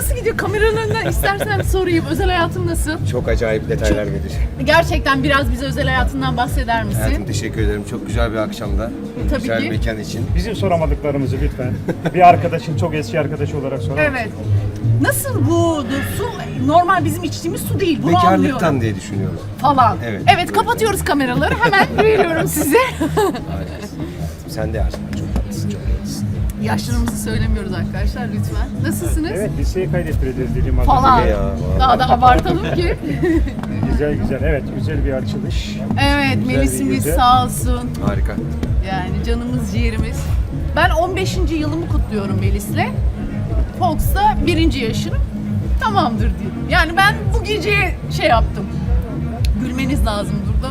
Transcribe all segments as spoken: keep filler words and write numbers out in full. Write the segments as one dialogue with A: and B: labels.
A: nasıl gidiyor? Kameranın önünden istersen sorayım. Özel hayatın nasıl?
B: Çok acayip detaylar verecek.
A: Gerçekten biraz bize özel hayatından bahseder misin?
B: Hayatım teşekkür ederim. Çok güzel bir akşamda.
A: Tabii
B: güzel
A: ki.
B: mekan için.
C: Bizim soramadıklarımızı lütfen. Bir arkadaşın, çok eski arkadaşı olarak sorar mısın?
A: Evet. Nasıl bu su? Normal bizim içtiğimiz su değil. Bunu
B: Bekarlıktan
A: anlıyorum.
B: diye düşünüyorum.
A: Falan.
B: Evet.
A: Evet, kapatıyoruz kameraları. Hemen veriyorum size.
B: Hayatım, sen de yaşlı. Çok tatlısın, çok tatlısın.
A: Yaşlarımızı söylemiyoruz arkadaşlar lütfen. Nasılsınız?
C: Evet, liseyi kaydettireceğiz dediğim az
A: Falan.
C: önce.
B: Ya, vallahi.
A: Daha da abartalım ki.
C: Güzel güzel, evet güzel bir açılış.
A: Evet,
C: Güzel
A: Melis'imiz
C: bir gece.
A: sağ olsun.
B: Harika.
A: Yani canımız ciğerimiz. Ben on beşinci yılımı kutluyorum Melis'le. Fox'ta birinci yaşını tamamdır diye. Yani ben bu geceye şey yaptım. Gülmeniz lazım burada.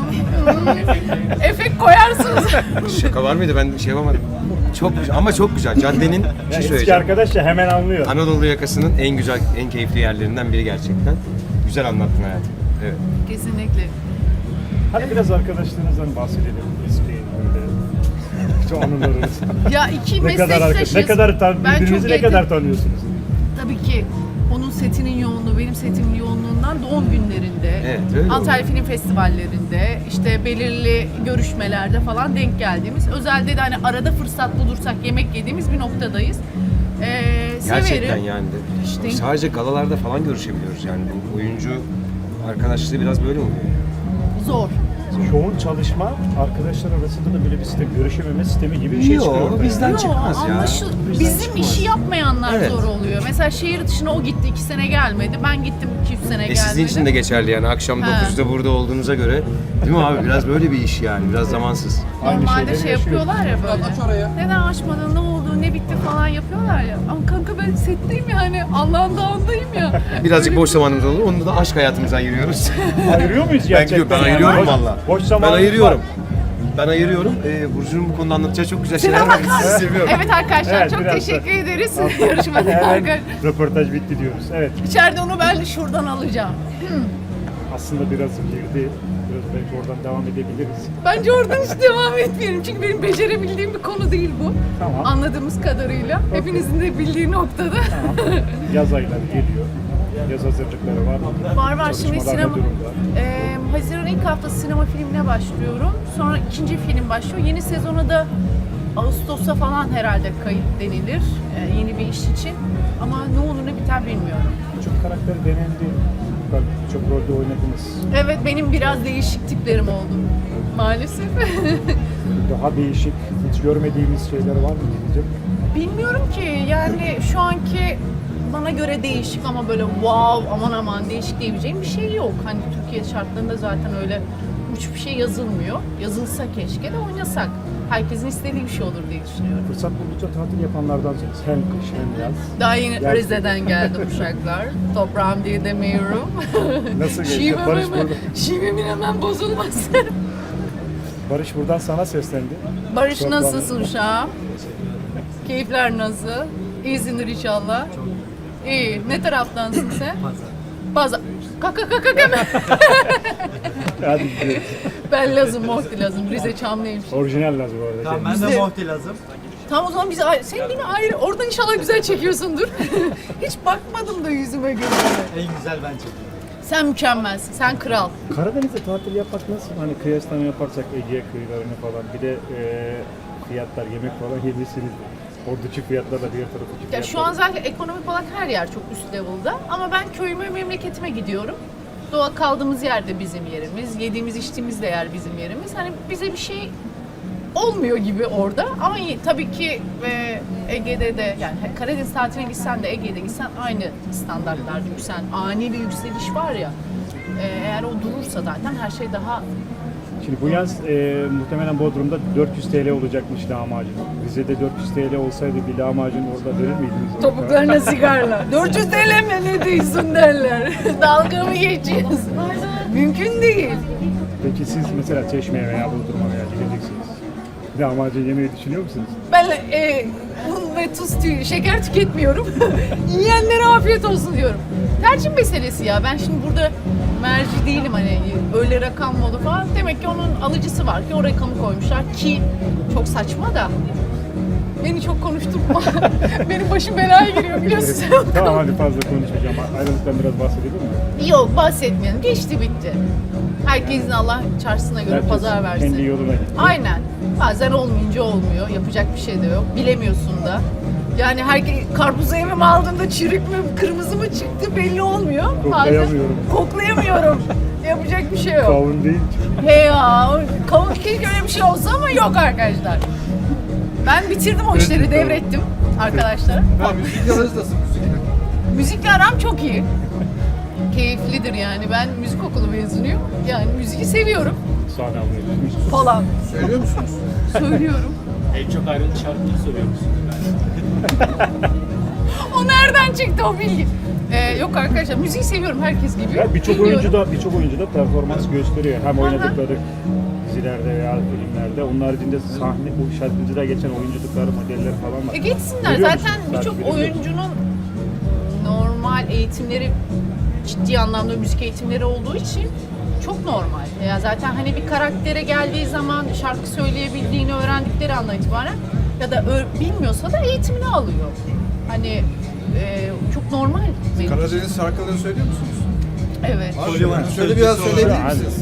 A: Efekt koyarsınız.
B: Şaka var mıydı? Ben şey yapamadım. Çok güzel ama çok güzel. Caddenin bir
C: Yani
B: şey
C: eski
B: söyleyeceğim.
C: arkadaş ya hemen anlıyor.
B: Anadolu yakasının en güzel, en keyifli yerlerinden biri gerçekten. Güzel anlattın hayatım. Evet.
A: Kesinlikle.
C: Hadi biraz arkadaşlarınızdan bahsedelim. Eski böyle. Şu anılarınız.
A: Ya iki
C: ne kadar arkadaş,
A: meslektaşız.
C: ne kadar tan
A: Ben
C: birbirinizi
A: çok
C: ne kadar
A: yakın-
C: tanıyorsunuz?
A: Tabii ki onun setinin yoğunluğu, benim setimin yoğunluğundan doğum günlerinde,
B: Evet, öyle
A: Antalya Film Festivallerinde, işte belirli görüşmelerde falan denk geldiğimiz, özelde de hani arada fırsat bulursak yemek yediğimiz bir noktadayız. Ee,
B: Gerçekten
A: severim.
B: yani. De.
A: İşte-
B: Sadece galalarda falan görüşebiliyoruz yani. Bu oyuncu arkadaşlığı biraz böyle oluyor.
A: Zor.
C: Yoğun çalışma, arkadaşlar arasında da böyle bir sistem, görüşememe sistemi gibi bir şey
B: Yok,
C: çıkıyor ortaya.
B: bizden
A: Yo,
B: çıkmaz ya.
A: anlaşıl-
B: Bizden
A: Bizim
B: çıkmaz.
A: işi yapmayanlar
B: Evet.
A: zor oluyor. Mesela şehir dışına o gitti, iki sene gelmedi. Ben gittim, iki üç sene
B: E
A: gelmedi.
B: sizin için de geçerli yani. Akşam
A: Ha.
B: dokuzda burada olduğunuza göre. Değil mi abi? Biraz böyle bir iş yani. Biraz zamansız.
C: Aynı
A: Normalde
C: şeyleri
A: şey
C: yaşıyoruz.
A: yapıyorlar ya böyle. Neden açmadın, ne oldu, ne bitti falan yapıyorlar ya. Ama kanka ben setteyim yani, Allah'ın dağındayım ya.
B: Birazcık
A: Öyle
B: boş
A: bir-
B: zamanımız olur. Onu da aşk hayatımıza ayırıyoruz.
C: Ayırıyor muyuz
B: ben,
C: gerçekten?
B: ben
C: yani?
B: ayırıyorum
C: Boş-
B: valla.
C: Boş
B: Ben
C: zamanımız
B: ayırıyorum.
C: var.
B: Ben ayırıyorum. Ee, Burcu'nun bu konuda anlatacağı çok güzel şeyler var.
A: Sinema
B: Sizi seviyorum.
A: Evet arkadaşlar,
C: Evet,
A: çok
C: biraz da-
A: teşekkür ederiz yarışmada.
C: Hemen röportaj bitti diyoruz. Evet,
A: İçeride onu ben de şuradan alacağım.
C: aslında biraz girdi. Biraz belki oradan devam edebiliriz.
A: Bence oradan hiç devam etmeyelim çünkü benim becerebildiğim bir konu değil bu.
C: Tamam.
A: Anladığımız kadarıyla. Hepinizin de bildiği noktada.
C: Tamam. Yaz ayları geliyor. Yaz hazırlıkları var.
A: Var var şimdi
C: Çalışmalar ne
A: sinema.
C: durumda?
A: Ee, Haziran ilk haftası sinema filmine başlıyorum. Sonra ikinci film başlıyor. Yeni sezona da Ağustos'a falan herhalde kayıt denilir. Ee, yeni bir iş için. Ama ne olur ne biter bilmiyorum.
C: Çok karakter denendi. Bak, çok rolde oynadınız.
A: Evet benim biraz değişik tiplerim oldu. Maalesef.
C: Daha değişik, hiç görmediğimiz şeyler var mı diyeceğim.
A: Bilmiyorum ki yani şu anki bana göre değişik ama böyle wow aman aman değişik diyebileceğim bir şey yok. Hani Türkiye şartlarında zaten öyle hiçbir şey yazılmıyor. Yazılsa keşke de oynasak. Herkesin istediği bir şey olur diye düşünüyorum.
C: Fırsat buldukça tatil yapanlardansınız. Hem kış hem yaz.
A: Daha yeni
C: Gel-
A: Rize'den geldim uşaklar. Toprağım diye demiyorum.
C: Nasıl geçti?
A: Şivem
C: Barış
A: hemen,
C: burada.
A: şivemin hemen bozulmasın.
C: Barış buradan sana seslendi.
A: Barış
C: Çok
A: nasılsın uşağım? Keyifler nasıl? İyisindir inşallah. İyi. Ne taraftansın sen? Pazar. Kaka kaka kaka.
C: Hadi gidiyoruz.
A: Ben Lazım, Mohti Lazım. Rize Çamlıymış.
C: Orijinal lazım bu arada.
D: Tamam ben
A: Bizde-
D: de Mohti lazım.
A: Tamam o zaman biz ayrı. Sen yine ayrı. Oradan inşallah güzel çekiyorsundur. Hiç bakmadım da yüzüme gözüme.
D: En güzel bence.
A: Sen mükemmelsin. Sen kral.
C: Karadeniz'de tatil yapmak nasıl? Hani kıyaslama yaparsak Ege kıyılarını falan bir de e, fiyatlar, yemek falan yemişsiniz. Oradaki fiyatlarla diğer taraftaki
A: Ya
C: fiyatlar.
A: şu an zaten ekonomik olarak her yer çok üst level'da. Ama ben köyüme, memleketime gidiyorum. Doğa kaldığımız yer de bizim yerimiz. Yediğimiz, içtiğimiz de yer bizim yerimiz. Hani bize bir şey olmuyor gibi orada. Ama iyi, tabii ki e, Ege'de de yani Karadeniz tatiline gitsen de Ege'de gitsen aynı standartlarda yükselen ani bir yükseliş var ya. E, eğer o durursa zaten her şey daha
C: Şimdi bu yaz e, muhtemelen Bodrum'da dört yüz T L olacakmış lahmacun. Rize'de dört yüz T L olsaydı bir lahmacun orada verir miydiniz?
A: topuklarına sigarla. dört yüz T L mi ne diyorsun derler. Dalga mı geçiyorsun? Mümkün değil.
C: Peki siz mesela Çeşme'ye veya Bodrum'a veya gideceksiniz. Lahmacun yemeyi düşünüyor musunuz?
A: Ben e, un ve tuz, tü- şeker tüketmiyorum. Yiyenlere afiyet olsun diyorum. Tercih meselesi ya. Ben şimdi burada merci değilim hani öyle rakam mı olur falan. Demek ki onun alıcısı var ki o rakamı koymuşlar ki çok saçma da. Beni çok konuşturma. Benim başım belaya giriyor biliyorsun.
C: Tamam hadi fazla konuşmayacağım. Ayrılıktan biraz bahsedelim mi?
A: Yok bahsetmeyelim. Geçti bitti. Herkesin Allah çarşısına göre
C: Herkes
A: pazar versin.
C: kendi yoluna gitti.
A: Aynen. Bazen olmayınca olmuyor. Yapacak bir şey de yok. Bilemiyorsun da. Yani herkes karpuzu evime aldığında çürük mü, kırmızı mı çıktı belli olmuyor.
C: Koklayamıyorum.
A: Bazen koklayamıyorum. Yapacak bir şey yok.
C: Kavun değil.
A: He ya, o- kavun keşke öyle bir şey olsa ama yok arkadaşlar. Ben bitirdim o işleri, devrettim arkadaşlara.
D: Ben müzik yalarız nasıl müzik?
A: Müzikle aram çok iyi. Keyiflidir yani. Ben müzik okulu mezunuyum. Yani müziği seviyorum
C: Sahne almaya.
A: falan.
D: Söylüyor musunuz?
A: Söylüyorum.
E: En çok ayrılık şarkıları söylüyor musunuz?
A: O nereden çıktı o bilgi? Ee, yok arkadaşlar, müziği seviyorum herkes gibi.
C: Ya birçok
A: Dinliyorum.
C: oyuncu da birçok oyuncu da performans gösteriyor. Hem oynadıkları dizilerde veya filmlerde. Onun haricinde sahne, bu şarkıcıda geçen oyunculukları, modeller falan var.
A: E geçsinler.
C: Görüyor
A: Zaten
C: musun?
A: birçok
C: Takip ediyor musun?
A: oyuncunun normal eğitimleri, ciddi anlamda müzik eğitimleri olduğu için çok normal. Ya zaten hani bir karaktere geldiği zaman şarkı söyleyebildiğini öğrendikleri andan itibaren ya da ö- bilmiyorsa da eğitimini alıyor. Hani e, çok normal. benim için.
D: Karadeniz şarkılarını söylüyor musunuz?
A: Evet.
D: Söyle, söyle biraz söyleyebilir
C: Hadi.
D: misiniz?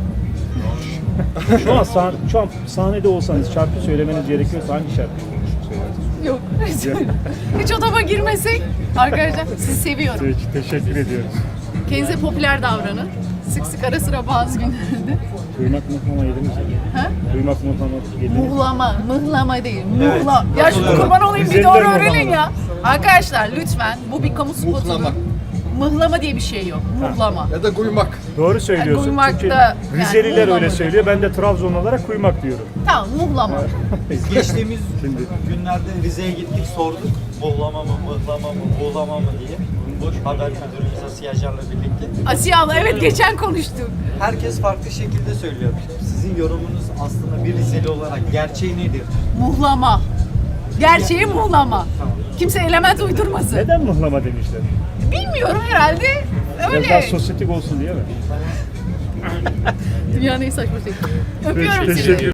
C: Şu an, sah- şu an sahnede olsanız şarkı söylemeniz gerekiyorsa hangi şarkı söylersiniz?
A: Yok. Hiç odama girmesek arkadaşlar sizi seviyorum.
C: Peki, teşekkür ediyoruz.
A: Kendinize popüler davranın. Sık sık ara sıra bazı günlerde.
C: Kuymak muhlama yediniz mi?
A: Ha?
C: Kuymak muhlama yediniz mi?
A: Muhlama, mıhlama değil. Muhla. Ya şu kurban olayım bir
C: Güzeller
A: doğru öğrenin
C: muhlama.
A: ya. Arkadaşlar lütfen bu bir kamu spotudur.
D: Muhlama.
A: Mıhlama diye bir şey yok. Muhlama.
D: Ya da kuymak.
C: Doğru söylüyorsun.
A: Kuymak
C: Çünkü
A: da yani
C: Rizeliler öyle
A: muhlama.
C: söylüyor. Ben de Trabzon olarak kuymak diyorum.
A: Tamam muhlama.
E: Geçtiğimiz
C: Şimdi
E: günlerde Rize'ye gittik sorduk. Muhlama mı, mıhlama mı, buğlama mı diye. Boş haber müdürümüz Asiye Acar'la birlikte.
A: Asiye abla evet geçen konuştuk.
E: Herkes farklı şekilde söylüyor. Sizin yorumunuz aslında bir Rizeli olarak gerçeği nedir?
A: Muhlama. Gerçeği muhlama. Kimse element uydurmasın.
C: neden muhlama demişler?
A: Bilmiyorum herhalde
C: Biraz daha
A: öyle.
C: sosyetik olsun diye mi?
A: Dünyanın en saçma şey. Öpüyorum
C: Teşekkür
A: sizi.